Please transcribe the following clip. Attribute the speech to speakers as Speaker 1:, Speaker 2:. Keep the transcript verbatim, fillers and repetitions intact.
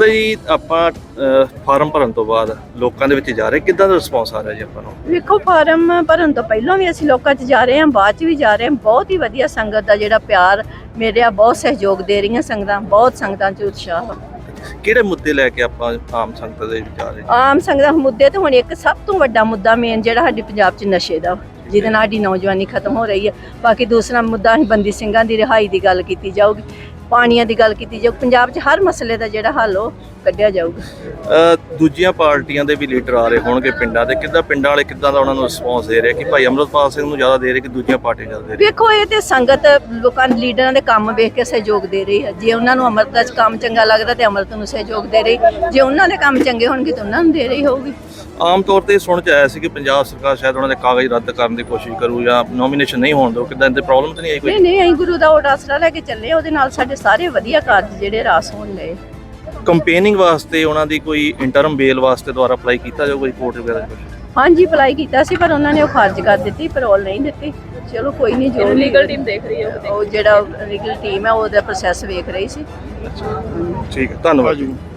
Speaker 1: ਮਾਤਾ ਜੀ ਆਪਾਂ ਫਾਰਮ ਭਰਨ ਤੋਂ ਬਾਅਦ ਲੋਕਾਂ ਦੇ ਵਿੱਚ ਜਾ ਰਹੇ ਕਿੱਦਾਂ ਦਾ ਰਿਸਪੌਂਸ ਆ ਰਿਹਾ ਜੀ ਆਪਾਂ ਨੂੰ?
Speaker 2: ਵੇਖੋ ਫਾਰਮ ਭਰਨ ਤੋਂ ਪਹਿਲਾਂ ਵੀ ਅਸੀਂ ਲੋਕਾਂ 'ਚ ਜਾ ਰਹੇ ਹਾਂ, ਬਾਅਦ 'ਚ ਵੀ ਜਾ ਰਹੇ ਹਾਂ। ਬਹੁਤ ਹੀ ਵਧੀਆ ਸੰਗਤ ਦਾ ਜਿਹੜਾ ਪਿਆਰ ਮੇਰਿਆ, ਬਹੁਤ ਸਹਿਯੋਗ ਦੇ ਰਹੀਆਂ ਸੰਗਤਾਂ, ਬਹੁਤ ਸੰਗਤਾਂ 'ਚ ਉਤਸ਼ਾਹ ਵਾ।
Speaker 1: ਕਿਹੜੇ ਮੁੱਦੇ ਲੈ ਕੇ ਆਪਾਂ ਆਮ ਸੰਗਤ ਦੇ ਵਿੱਚ ਜਾ ਰਹੇ?
Speaker 2: ਆਮ ਸੰਗਤਾਂ ਮੁੱਦੇ ਤੇ ਹੁਣ ਇੱਕ ਸਭ ਤੋਂ ਵੱਡਾ ਮੁੱਦਾ ਮੇਨ ਜਿਹੜਾ ਸਾਡੇ ਪੰਜਾਬ 'ਚ ਨਸ਼ੇ ਦਾ, ਜਿਹਦੇ ਨਾਲ ਸਾਡੀ ਨੌਜਵਾਨੀ ਖਤਮ ਹੋ ਰਹੀ ਹੈ। ਬਾਕੀ ਦੂਸਰਾ ਮੁੱਦਾ ਅਸੀਂ ਬੰਦੀ ਸਿੰਘਾਂ ਦੀ ਰਿਹਾਈ ਦੀ ਗੱਲ ਕੀਤੀ ਜਾਊਗੀ, ਪਾਣੀਆਂ ਦੀ ਗੱਲ ਕੀਤੀ ਜਾਊ। ਪੰਜਾਬ 'ਚ ਹਰ ਮਸਲੇ ਦਾ ਜਿਹੜਾ ਹੱਲ ਉਹ ਕੱਢਿਆ ਜਾਊਗਾ।
Speaker 1: ਦੂਜੀਆਂ ਪਾਰਟੀਆਂ ਦੇ ਵੀ ਲੀਡਰ ਆ ਰਹੇ ਹੋਣਗੇ ਪਿੰਡਾਂ ਦੇ, ਕਿੱਦਾਂ ਪਿੰਡਾਂ ਵਾਲੇ ਕਿੱਦਾਂ ਦਾ ਉਹਨਾਂ ਨੂੰ ਰਿਸਪੌਂਸ ਦੇ ਰਹੇ ਕਿ ਭਾਈ ਅਮਰਤਪਾਲ ਸਿੰਘ ਨੂੰ ਜ਼ਿਆਦਾ ਦੇ ਰਹੇ ਕਿ ਦੂਜੀਆਂ ਪਾਰਟੀਆਂ ਜ਼ਿਆਦਾ ਦੇ ਰਹੇ?
Speaker 2: ਵੇਖੋ ਇਹ ਤੇ ਸੰਗਤ ਲੋਕਾਂ ਦੇ ਲੀਡਰਾਂ ਦੇ ਕੰਮ ਵੇਖ ਕੇ ਸਹਿਯੋਗ ਦੇ ਰਹੀ ਹੈ। ਜੇ ਉਹਨਾਂ ਨੂੰ ਅੰਮ੍ਰਿਤ ਦਾ ਕੰਮ ਚੰਗਾ ਲੱਗਦਾ ਤੇ ਅੰਮ੍ਰਿਤ ਨੂੰ ਸਹਿਯੋਗ ਦੇ ਰਹੀ, ਜੇ ਉਹਨਾਂ ਦੇ ਕੰਮ ਚੰਗੇ ਹੋਣਗੇ ਤਾਂ ਉਹਨਾਂ ਨੂੰ ਦੇ ਰਹੀ ਹੋਊਗੀ।
Speaker 1: ਆਮ ਤੌਰ ਤੇ ਸੁਣ ਚ ਆਇਆ ਸੀ ਕਿ ਪੰਜਾਬ ਸਰਕਾਰ ਸ਼ਾਇਦ ਉਹਨਾਂ ਦੇ ਕਾਗਜ਼ ਰੱਦ ਕਰਨ ਦੀ ਕੋਸ਼ਿਸ਼ ਕਰੂ ਜਾਂ ਨੋਮੀਨੇਸ਼ਨ ਨਹੀਂ ਹੋਣ ਦਿਓ, ਕਿੱਦਾਂ ਇਹਦੇ ਪ੍ਰੋਬਲਮ ਤਾਂ ਨਹੀਂ ਆਈ ਕੋਈ?
Speaker 2: ਨਹੀਂ ਨਹੀਂ ਅਸੀਂ ਗੁਰੂ ਦਾ ਉਹ ਆਸਰਾ ਲੈ ਕੇ ਚੱਲੇ, ਉਹਦੇ ਨਾਲ ਸਾਡੇ ਸਾਰੇ ਵਧੀਆ ਕਾਰਜ ਜਿਹੜੇ ਰਾਸ ਹੋਣ ਲਏ।
Speaker 1: ਕੰਪੇਨਿੰਗ ਵਾਸਤੇ ਉਹਨਾਂ ਦੀ ਕੋਈ ਇੰਟਰਮ ਬੇਲ ਵਾਸਤੇ ਦੁਆਰਾ ਅਪਲਾਈ ਕੀਤਾ ਜਾਊਗਾ ਰਿਪੋਰਟ ਵਗੈਰਾ ਕੁਝ?
Speaker 2: ਹਾਂਜੀ ਅਪਲਾਈ ਕੀਤਾ ਸੀ, ਪਰ ਉਹਨਾਂ ਨੇ ਉਹ ਖਾਰਜ ਕਰ ਦਿੱਤੀ, ਪੈਰੋਲ ਨਹੀਂ ਦਿੱਤੀ। ਚਲੋ ਕੋਈ ਨਹੀਂ, ਜੋ ਲੀਗਲ ਟੀਮ ਦੇਖ ਰਹੀ ਹੈ, ਉਹ ਜਿਹੜਾ ਲੀਗਲ ਟੀਮ ਹੈ ਉਹਦਾ ਪ੍ਰੋਸੈਸ ਵੇਖ ਰਹੀ ਸੀ।
Speaker 1: ਠੀਕ ਹੈ, ਧੰਨਵਾਦ ਜੀ।